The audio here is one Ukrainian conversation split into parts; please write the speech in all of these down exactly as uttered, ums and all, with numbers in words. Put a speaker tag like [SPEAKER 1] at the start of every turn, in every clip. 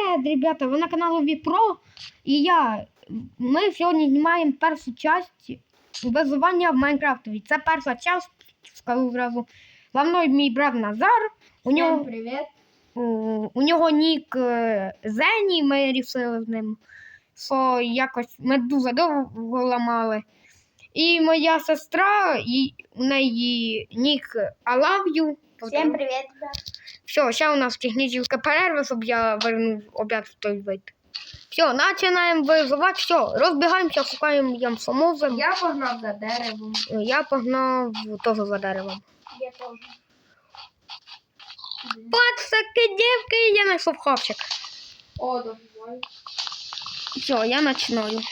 [SPEAKER 1] Привіт, ребята! Ви на каналі Віпро. І я. Ми сьогодні знімаємо першу частину виживання в Майнкрафтові. Це перша частина, скажу зразу. За мною мій брат Назар. У нього,
[SPEAKER 2] привіт.
[SPEAKER 1] у, у нього нік Зені, ми вирішили з ним. Що якось ми дуже довго ламали. І моя сестра, і у неї нік I love you.
[SPEAKER 2] Всем привет, ребят.
[SPEAKER 1] Все, сейчас у нас техническая перерва, чтобы я вернул обед в той вид. Все, начинаем вызывать. Все, разбегаемся, шукаем ямсомозом.
[SPEAKER 2] Я погнав за деревом.
[SPEAKER 1] Я погнал тоже за деревом.
[SPEAKER 2] Я теж.
[SPEAKER 1] Пацаки, девки, я нашел хавчик.
[SPEAKER 2] О, давай.
[SPEAKER 1] Все, я начинаю.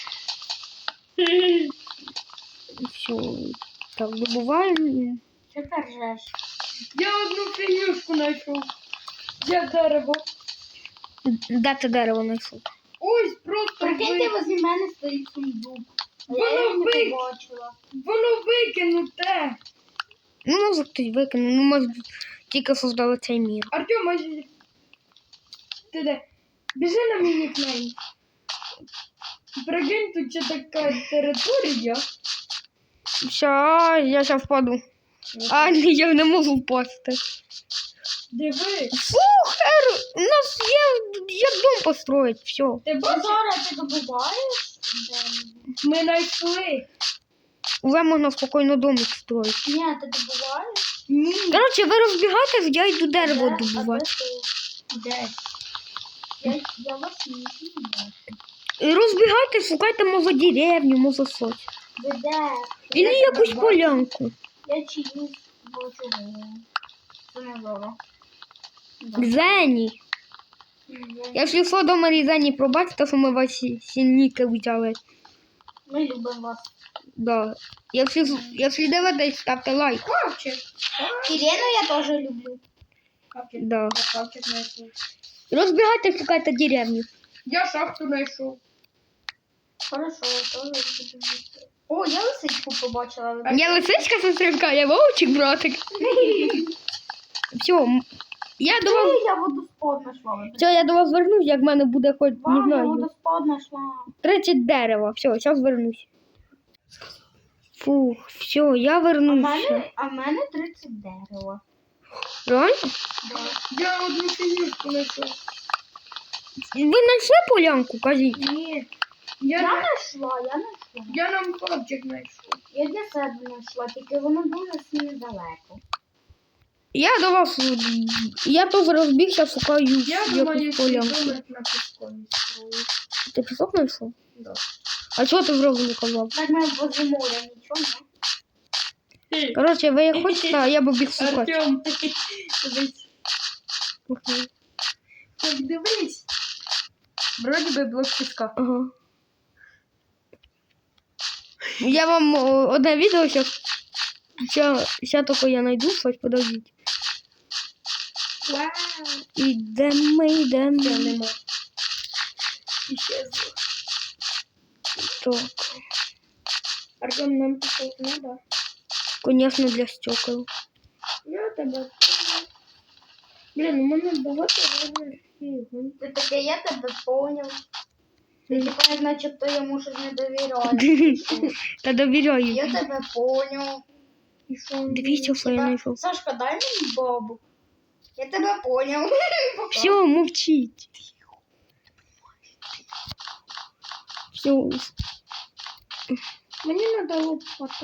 [SPEAKER 1] Все, так, добываем.
[SPEAKER 2] Що ти ржеш?
[SPEAKER 3] Я одну фігнюшку знайшов. Я дерево.
[SPEAKER 1] Де ти дерево знайшов?
[SPEAKER 3] Ось просто
[SPEAKER 2] Прикиньте,
[SPEAKER 3] ви...
[SPEAKER 2] возле мене стоїть сундук. А
[SPEAKER 3] Воно
[SPEAKER 2] я його не
[SPEAKER 3] ви-
[SPEAKER 2] побачила.
[SPEAKER 3] Воно викинуте.
[SPEAKER 1] Ну, може хтось викинув, ну, може тільки создали цей мір.
[SPEAKER 3] Артем, ось... Ти де? Біжи на мій нікнейм. Прикинь, тут ще така територія.
[SPEAKER 1] Все, я зараз впаду. А, ні, я не можу впасти.
[SPEAKER 3] Диви.
[SPEAKER 1] Слухай, у нас є як дом построить, все.
[SPEAKER 3] Ти бачиш?
[SPEAKER 2] Зараз ти добуваєш?
[SPEAKER 3] Ми знайшли.
[SPEAKER 1] Уже можна спокійно домик строить.
[SPEAKER 2] Ні, ти добуваєш?
[SPEAKER 3] Ні.
[SPEAKER 1] Коротше, ви розбігайтесь, я йду дерево
[SPEAKER 2] Де? А
[SPEAKER 1] добувати.
[SPEAKER 2] де ти? Де? Я, я вас не знаю.
[SPEAKER 1] І розбігайтесь, шукайте, може, деревню, може, щось.
[SPEAKER 2] Ви де?
[SPEAKER 1] Ілі
[SPEAKER 2] Я
[SPEAKER 1] якусь
[SPEAKER 2] тебе
[SPEAKER 1] полянку.
[SPEAKER 2] Я чиюсь бачу. Це не зоро.
[SPEAKER 1] Зені. Якщо що, дома Зені, пробачте, що ми ваші сильніки взяли.
[SPEAKER 2] Ми любимо вас.
[SPEAKER 1] Да. Якщо, якщо дивитесь, ставте лайк.
[SPEAKER 3] Хавчик.
[SPEAKER 2] Ірину я теж люблю.
[SPEAKER 3] Хавчик.
[SPEAKER 1] Да.
[SPEAKER 3] Я хавчик знайшов.
[SPEAKER 1] Розбігайтесь, шукайте деревню.
[SPEAKER 3] Я шахту знайшов.
[SPEAKER 2] Хорошо, я теж люблю. О, я лисичку побачила.
[SPEAKER 1] Я лисичка, сестринка, я вовчик, братик. Все, я до вас...
[SPEAKER 2] Я водоспад знайшла.
[SPEAKER 1] Все, я до вас вернусь, як в мене буде хоч, не
[SPEAKER 2] Вау, я
[SPEAKER 1] знаю,
[SPEAKER 2] водоспад знайшла.
[SPEAKER 1] тридцять дерева. Все, зараз вернусь. Фух, все, я
[SPEAKER 2] А в
[SPEAKER 1] вернусь.
[SPEAKER 2] мене, а в мене тридцять дерева.
[SPEAKER 1] Реально?
[SPEAKER 2] Да.
[SPEAKER 3] Я одну фігнюшку знайшов.
[SPEAKER 1] Ви знайшли полянку, кажіть?
[SPEAKER 3] Ні.
[SPEAKER 2] Я
[SPEAKER 3] Я, на...
[SPEAKER 2] знайшла, я знайшла.
[SPEAKER 3] я нам хавчик знайшов.
[SPEAKER 2] Я для себе знайшла, тільки воно дуже сильно далеко.
[SPEAKER 1] Я до вас, я теж розбігся, шукаю
[SPEAKER 3] Я думаю,
[SPEAKER 1] якусь
[SPEAKER 3] що
[SPEAKER 1] полянку.
[SPEAKER 3] домик на піскові строїть.
[SPEAKER 1] Ти пісок знайшов?
[SPEAKER 3] Да.
[SPEAKER 1] А чого ти зразу не казав?
[SPEAKER 2] Так ми возле моря, нічого, не?
[SPEAKER 1] Коротше, ви як хочете, а я б біг шукати.
[SPEAKER 3] Артем, дивись. Так, дивись. Вроді би блок піска.
[SPEAKER 1] Ага. Я вам о, одне відео зараз. Зараз тільки я знайду щось, подождіть.
[SPEAKER 3] Вау.
[SPEAKER 1] Ідемо, ідемо.
[SPEAKER 3] Це нема. Іщезло.
[SPEAKER 1] Так,
[SPEAKER 3] Артем, нам пішов треба.
[SPEAKER 1] звісно, для стекол.
[SPEAKER 3] Я тебе. Блін, у мене багато різних фігу.
[SPEAKER 2] Ти таке, я тебе поняв. Ти тепер начебто йому щось не довіряєш.
[SPEAKER 1] Та довіряю.
[SPEAKER 2] Я тебе поняв.
[SPEAKER 3] І що?
[SPEAKER 1] Дивіться, що я
[SPEAKER 2] Типа,
[SPEAKER 1] знайшов.
[SPEAKER 2] Сашка, дай мені бабу. Я тебе поняв. Пока.
[SPEAKER 1] Все, мовчіть. Все.
[SPEAKER 3] Мені треба лопата.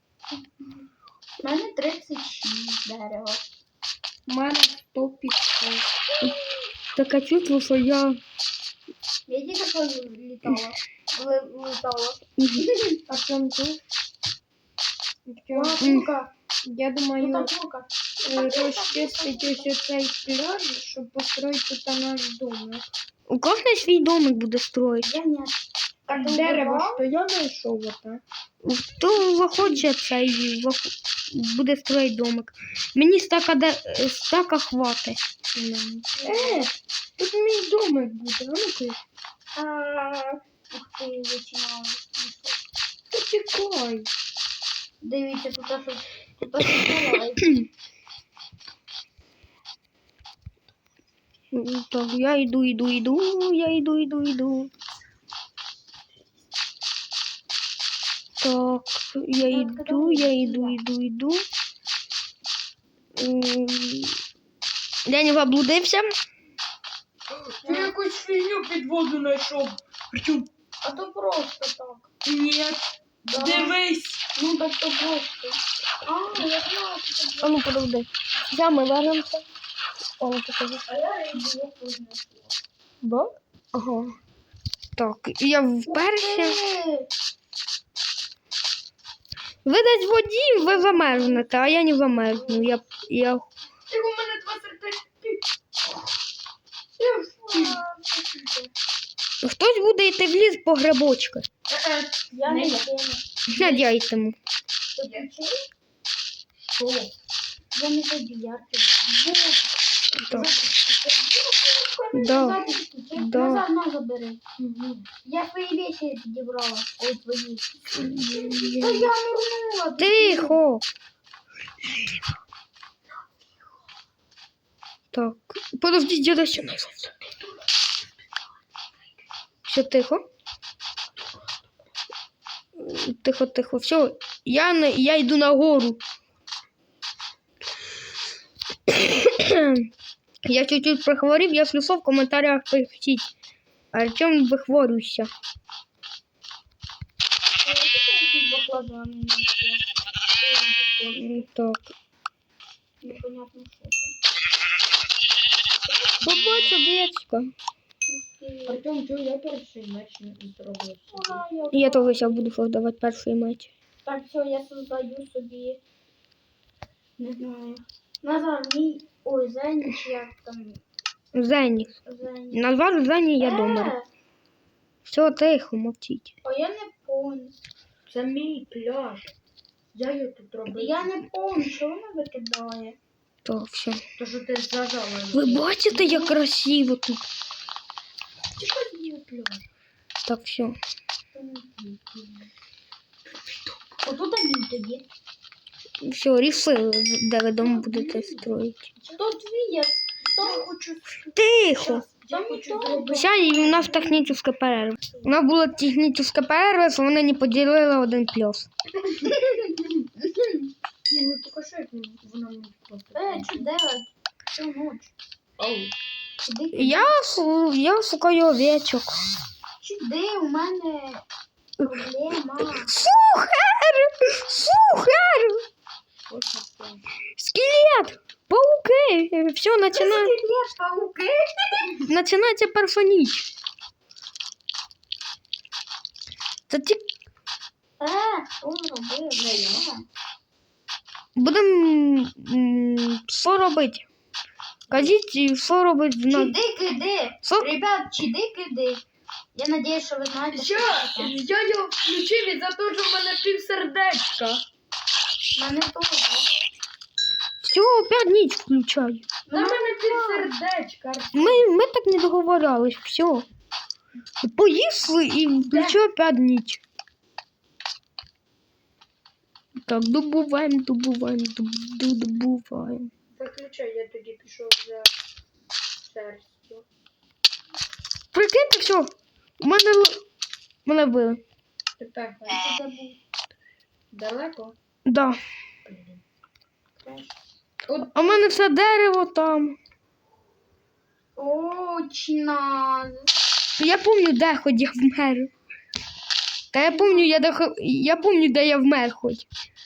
[SPEAKER 2] У мене тридцять шість дерева.
[SPEAKER 3] У мене сто піску.
[SPEAKER 1] Таке чувство, що я...
[SPEAKER 2] Я тільки що літала. Ли- Літала.
[SPEAKER 3] Артем тут.
[SPEAKER 2] Лука.
[SPEAKER 3] Я
[SPEAKER 2] Ну
[SPEAKER 3] думаю,
[SPEAKER 2] так, Лука.
[SPEAKER 3] е, розчистити ось цей пляж, щоб построїти тут наш домик.
[SPEAKER 1] У кожного свій домик буде строїти.
[SPEAKER 2] Я ні.
[SPEAKER 3] Так,
[SPEAKER 2] Ти
[SPEAKER 3] дерево,
[SPEAKER 2] вибрав?
[SPEAKER 3] що я знайшов оте.
[SPEAKER 1] Хто захоче цей зах- буде строїти домик. Мені стака, де... стака хватить.
[SPEAKER 3] Е, тут мій домик буде, а ну-ка.
[SPEAKER 2] А, Ух ти, вичинала.
[SPEAKER 3] Почекай.
[SPEAKER 2] Дивіться, тут щось. Тут щось буває.
[SPEAKER 1] Так, я йду, йду, йду, я йду, йду, йду. Так, я йду, я йду, йду, йду. Ем, Я не заблудився.
[SPEAKER 3] Я якусь фігню під воду знайшов. Причому,
[SPEAKER 2] А то просто так.
[SPEAKER 3] ні,
[SPEAKER 2] Да.
[SPEAKER 3] дивись.
[SPEAKER 2] Ну так то просто. А, я знаю, що це.
[SPEAKER 1] А ну подожди. Я ми вернемося. О, ну покажи.
[SPEAKER 2] А я рибу яку знайшла.
[SPEAKER 1] Да? Ага. Так, я вперше.
[SPEAKER 2] Е,
[SPEAKER 1] Ви десь в воді, ви замерзнете, а я не замерзну. Я, я...
[SPEAKER 3] Ти у мене два сердечки.
[SPEAKER 1] Хтось буде йти в ліс по грибочки.
[SPEAKER 3] Е-е.
[SPEAKER 2] Я не
[SPEAKER 3] Не.
[SPEAKER 2] знаю.
[SPEAKER 1] Надяйтему.
[SPEAKER 2] Ти включив?
[SPEAKER 3] Що?
[SPEAKER 2] Я не забіярки.
[SPEAKER 1] Так. Да. Да.
[SPEAKER 2] Назад на забери. Я свої вещи підібрала. Ой, твої. Та я нырнула.
[SPEAKER 1] Тихо. Так. Подождіть, я ще не Все тихо. Тихо, тихо. Все. Я, не- я йду на гору. Я чуть-чуть прихворів, я слюсов в коментарях пишіть. Артем вихворюйся.
[SPEAKER 2] Баклажани.
[SPEAKER 1] М, Так.
[SPEAKER 2] Непонятно, що
[SPEAKER 1] Побачу, овечка.
[SPEAKER 2] це.
[SPEAKER 3] Артем, чого я перший меч не зробив?
[SPEAKER 2] Ура, я
[SPEAKER 1] Я теж зараз буду создавати перший меч.
[SPEAKER 2] Так, все, я создаю собі. Не знаю. Назар, мій. Ой, Зеніч, як там.
[SPEAKER 1] Зені.
[SPEAKER 2] Зеніч.
[SPEAKER 1] Назвав Зені, я
[SPEAKER 2] Е,
[SPEAKER 1] дома. Все, тихо, мовчіть.
[SPEAKER 2] А я не помню.
[SPEAKER 3] Це мій пляж. Я його тут робив.
[SPEAKER 2] Я не помню, що вона викидає.
[SPEAKER 1] Так, все.
[SPEAKER 3] То, що ти зажала.
[SPEAKER 1] Ви бачите, як красиво тут?
[SPEAKER 3] Чекай мій пляж.
[SPEAKER 1] Так, все.
[SPEAKER 2] Отут він тоді.
[SPEAKER 1] Все, рішили, де ви дом будете строїти.
[SPEAKER 2] То твій я. То хочу.
[SPEAKER 1] Тихо.
[SPEAKER 3] Я
[SPEAKER 2] Там
[SPEAKER 3] хочу
[SPEAKER 2] ніхто.
[SPEAKER 3] зробити.
[SPEAKER 1] Зараз у нас технічна перерва. У нас була технічна перерва, що вони не поділили один плюс.
[SPEAKER 3] Ні, ну тільки що як вона мені просто.
[SPEAKER 2] Е, що делать? Всю ніч.
[SPEAKER 3] Ау.
[SPEAKER 2] Іди,
[SPEAKER 1] Я, шу- я шукаю овечок.
[SPEAKER 2] Сюди, у мене проблема.
[SPEAKER 1] Сухар! Сухар!
[SPEAKER 3] Ось це.
[SPEAKER 1] Скелет! Пауки! Все, починає,
[SPEAKER 2] Скелет, пауки.
[SPEAKER 1] починається перша ніч. Це ті...
[SPEAKER 2] Е, що зробив? Не я.
[SPEAKER 1] Будемо... м, що робити? Кажіть, що робити в нас?
[SPEAKER 2] Чидик-иди.
[SPEAKER 1] Що?
[SPEAKER 2] Ребят, чидик-иди. Я надеюсь, що ви знаєте, що
[SPEAKER 3] Я,
[SPEAKER 2] це таке.
[SPEAKER 3] я його включив із-за того, що в мене пів сердечка.
[SPEAKER 2] В мене теж.
[SPEAKER 1] Все, опять ніч включай.
[SPEAKER 3] На мене пів сердечка.
[SPEAKER 1] Ми, ми так не договорились, все. Поїсли і включу опять ніч. Так, добуваємо, добуваємо, доб- добуваємо.
[SPEAKER 3] Заключай, я тоді пішов за шерстю.
[SPEAKER 1] Прикиньте, все. У мене л- мене вбили.
[SPEAKER 3] Тепер
[SPEAKER 2] Це був.
[SPEAKER 3] далеко.
[SPEAKER 1] Да.
[SPEAKER 3] От
[SPEAKER 1] А в мене все дерево там.
[SPEAKER 2] Точно.
[SPEAKER 1] Я пам'ятаю, де хоч я вмер. Та я пам'ятаю, я, де, хо- я пам'ятаю, де я вмер хоч.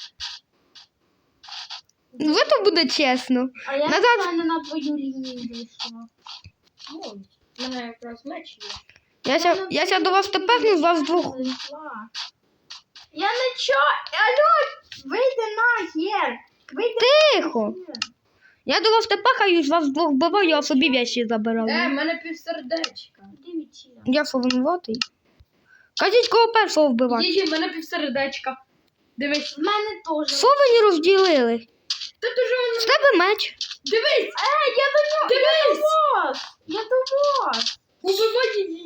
[SPEAKER 1] Ну, це буде чесно.
[SPEAKER 2] А я
[SPEAKER 1] Назад.
[SPEAKER 2] спеціально на твою лінію вийшла.
[SPEAKER 3] ну, в мене якраз меч є.
[SPEAKER 1] Я ся, я ся до вас тепер з вас двох.
[SPEAKER 2] Зайшла. Я не чо. Алло, вийди нахер. Вийди
[SPEAKER 1] Тихо.
[SPEAKER 2] нахер.
[SPEAKER 1] Я до вас тепер з вас двох вбиваю, а собі вещі
[SPEAKER 3] Е, в
[SPEAKER 1] забираю.
[SPEAKER 3] мене пів сердечка.
[SPEAKER 2] Іди відсіля.
[SPEAKER 1] Я що винуватий? Кажіть, кого першого вбивати?
[SPEAKER 3] Її, в мене пів сердечка. Дивись.
[SPEAKER 2] В мене теж.
[SPEAKER 1] Що ви не розділили?
[SPEAKER 3] Та то ж
[SPEAKER 1] З
[SPEAKER 3] воно.
[SPEAKER 1] тебе меч.
[SPEAKER 3] Дивись!
[SPEAKER 2] Е, я до нього.
[SPEAKER 3] Дивись!
[SPEAKER 2] Вас. Я до вас.
[SPEAKER 3] Убивай її.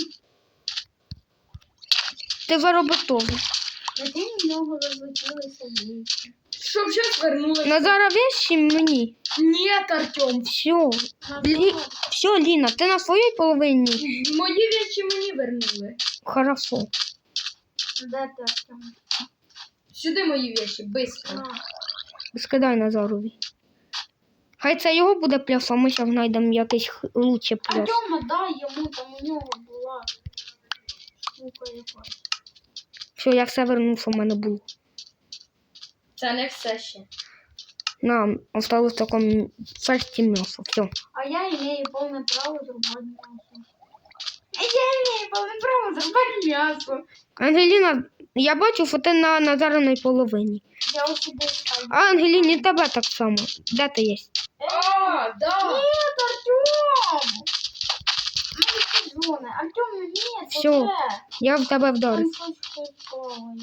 [SPEAKER 1] Ти заробив того.
[SPEAKER 2] Прикинь, в нього розлетілися вічі.
[SPEAKER 3] Щоб зараз вернулася.
[SPEAKER 1] На зараз вещі мені.
[SPEAKER 3] Нет, Артем.
[SPEAKER 1] Все,
[SPEAKER 2] Назар,
[SPEAKER 1] Лі... все, Ліна, ти на своїй половині?
[SPEAKER 3] Мої речі мені вернули.
[SPEAKER 1] Хорошо.
[SPEAKER 2] де ти, Артем?
[SPEAKER 3] Сюди мої речі, быстро.
[SPEAKER 2] На.
[SPEAKER 1] Скидай Назарові. Хай це його буде пляс, а ми зараз знайдемо якийсь х- лучше пляс.
[SPEAKER 2] Артема дай йому, там у нього була штука якась.
[SPEAKER 1] Все, я все вернув, що в мене було.
[SPEAKER 3] Це не все ще.
[SPEAKER 1] Нам осталось таке шерсті м'ясо. Все.
[SPEAKER 2] А я имею повне право зрубати м'ясо. А я имею повне право зрубати м'ясо.
[SPEAKER 1] Ангеліна, я бачу, що ти на Назариної половині.
[SPEAKER 2] Я у себе ставлю.
[SPEAKER 1] А Ангеліні тебе так само. Де ти є?
[SPEAKER 3] А, да.
[SPEAKER 2] Нет, Артем! Ну, это зона. Артем, нет,
[SPEAKER 1] Всё.
[SPEAKER 2] уже.
[SPEAKER 1] Я в тебе
[SPEAKER 2] Там
[SPEAKER 1] вдарив.
[SPEAKER 2] щось плаває.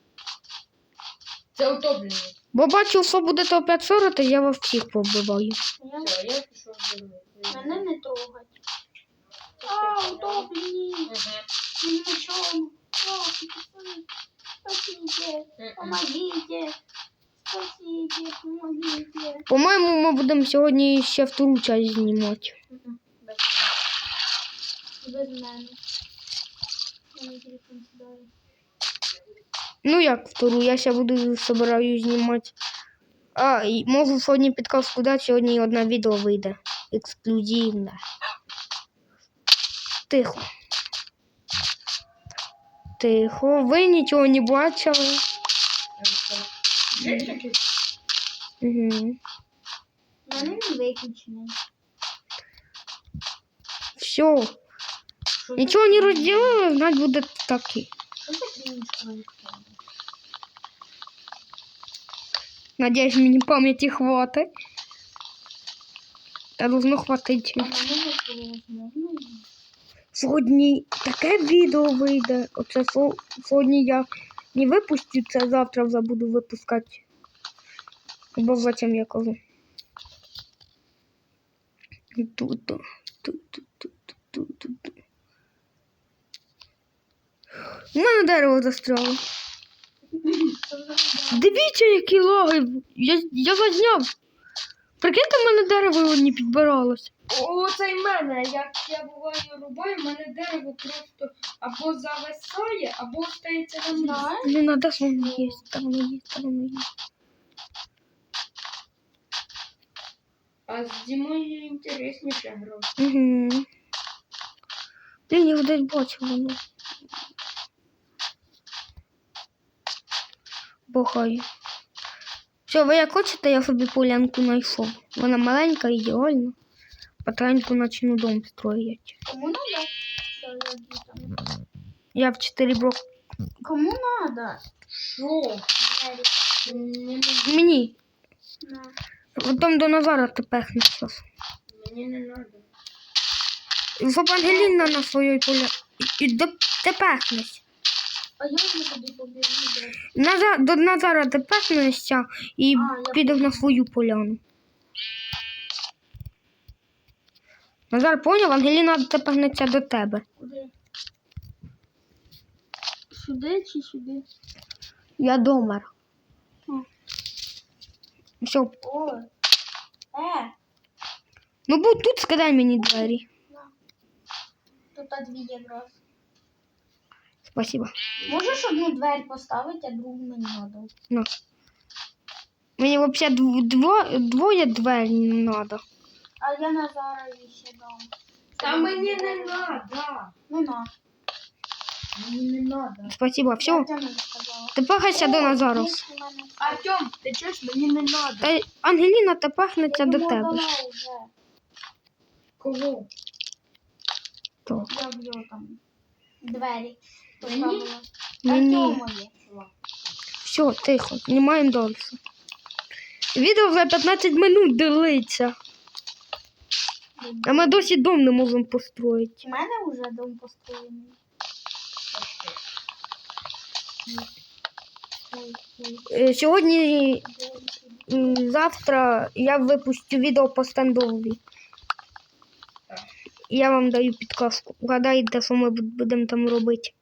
[SPEAKER 3] Це утоплення.
[SPEAKER 1] Бо бачу, що буде то п'ять сорок, то я вас всіх побиваю.
[SPEAKER 2] Я-
[SPEAKER 3] Все, я пішов додому.
[SPEAKER 2] Мене не трогать. А, утоплені.
[SPEAKER 3] Мгм.
[SPEAKER 2] Ни на чем. Спасите. Помогите. Спасите. Помогите.
[SPEAKER 1] По-моєму, ми будемо сьогодні ще втору часть знімати.
[SPEAKER 3] Мгм. Без
[SPEAKER 2] Без мене. Мене телефон сідає.
[SPEAKER 1] Ну як втору, я ще буду собираю знімати. А, і можу сьогодні підказку дати, сьогодні одне відео вийде. Ексклюзивне. Тихо. Тихо. Ви нічого не бачили.
[SPEAKER 3] Є таке?
[SPEAKER 1] Угу.
[SPEAKER 2] Мене не виключений.
[SPEAKER 1] Все. Нічого не розділили, значить буде таки.
[SPEAKER 2] Що за крінж?
[SPEAKER 1] Надіюсь, мені пам'яті хватить. Та должно хватить.
[SPEAKER 2] А мене не було можливо.
[SPEAKER 1] Сьогодні таке відео вийде. Оце со- сьогодні я не випустю, це завтра вже буду випускати. Або зачем я кажу. Тут, тут, тут, тут, тут, тут, тут, тут. У мене дерево застряло. Дивіться, які лаги. Я, я зазняв. Прикиньте, в мене дерево не підбиралось.
[SPEAKER 3] О, це й мене. Як я буваю рубаю, в мене дерево просто або зависає, або стається на місці.
[SPEAKER 2] Знаєш?
[SPEAKER 1] Не надо, що воно є. Там воно є, там воно є.
[SPEAKER 3] А з Дімою інтересніше гра.
[SPEAKER 1] Угу. Блін, я десь бачив воно. Бухаю. Все, ви як хочете, я собі полянку знайшов. Вона маленька, ідеальна. Потихеньку почну дом строїти.
[SPEAKER 2] Кому надо? Що я йду там?
[SPEAKER 1] Я в чотири блоки.
[SPEAKER 2] Кому надо?
[SPEAKER 3] Що?
[SPEAKER 2] Двері.
[SPEAKER 3] Мені,
[SPEAKER 1] Мені.
[SPEAKER 2] На.
[SPEAKER 1] Потім до Назара ти пехнеш щас.
[SPEAKER 3] мені не треба.
[SPEAKER 1] Щоб Ангеліна на своїй поля. І до ти пехнеш.
[SPEAKER 2] А я вже тоді побігу.
[SPEAKER 1] Назар, до Назара ти пехнешся і
[SPEAKER 2] А, я
[SPEAKER 1] підеш на свою поляну. Назар поняв, Ангеліна пехнеться до тебе.
[SPEAKER 2] Куди? Сюди чи сюди?
[SPEAKER 1] Я домер.
[SPEAKER 2] М.
[SPEAKER 1] Все.
[SPEAKER 2] О. Е.
[SPEAKER 1] Ну будь тут, скидай мені двері.
[SPEAKER 2] Тут а дві якраз.
[SPEAKER 1] Спасибо.
[SPEAKER 2] Можеш одну двері поставити, а другу мені надо.
[SPEAKER 1] На. Мені взагалі дво, дво, двоє двері не треба.
[SPEAKER 2] А я Назарові ще дам.
[SPEAKER 3] Та мені не треба.
[SPEAKER 2] Ну на.
[SPEAKER 3] Мені не треба.
[SPEAKER 1] Спасибо. Все.
[SPEAKER 2] Я Тьомі сказала.
[SPEAKER 1] Ти пехайся до Назару.
[SPEAKER 2] Є в мене.
[SPEAKER 3] Артем, ти чуєш, мені не треба.
[SPEAKER 1] Та Ангеліна та
[SPEAKER 2] Я
[SPEAKER 1] пехнеться до
[SPEAKER 2] йому
[SPEAKER 1] тебе.
[SPEAKER 2] дала вже.
[SPEAKER 3] Кого?
[SPEAKER 1] Так.
[SPEAKER 2] Я в його там двері.
[SPEAKER 3] Мені?
[SPEAKER 2] поставила.
[SPEAKER 1] Мені.
[SPEAKER 2] Артемові.
[SPEAKER 1] Все, тихо, знімаємо далі. Відео вже п'ятнадцять минут дивиться. А ми досі дом не можемо построїти.
[SPEAKER 2] У мене вже дом построєний. Ой, ой,
[SPEAKER 1] Е, Сьогодні,
[SPEAKER 2] ой.
[SPEAKER 1] м, завтра я випустю відео по стендові. Я вам даю підказку. Гадайте, що ми буд- будемо там робити.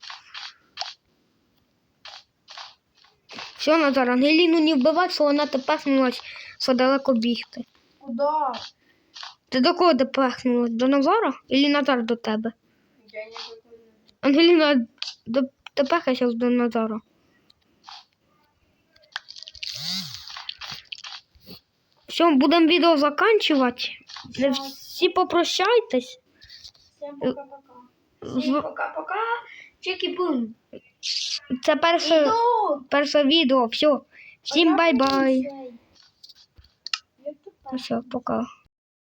[SPEAKER 1] Все, Назар, Ангеліну не вбивати, що вона тепер що далеко бігти.
[SPEAKER 2] Куда?
[SPEAKER 1] Ти до кого допехнулась? До Назара? Или Назар до тебе?
[SPEAKER 3] Я не виконую.
[SPEAKER 1] Ангеліна, до... допехайся до Назара. Все, будемо відео закінчувати. Не всі попрощайтесь.
[SPEAKER 2] Всем пока-пока.
[SPEAKER 1] З-
[SPEAKER 3] Всім пока-пока. Чекі-бум.
[SPEAKER 1] Це перше,
[SPEAKER 2] Іду!
[SPEAKER 1] перше відео. Все. Всім
[SPEAKER 2] А я
[SPEAKER 1] бай-бай.
[SPEAKER 2] цей. Як тут так?
[SPEAKER 1] Все, пока.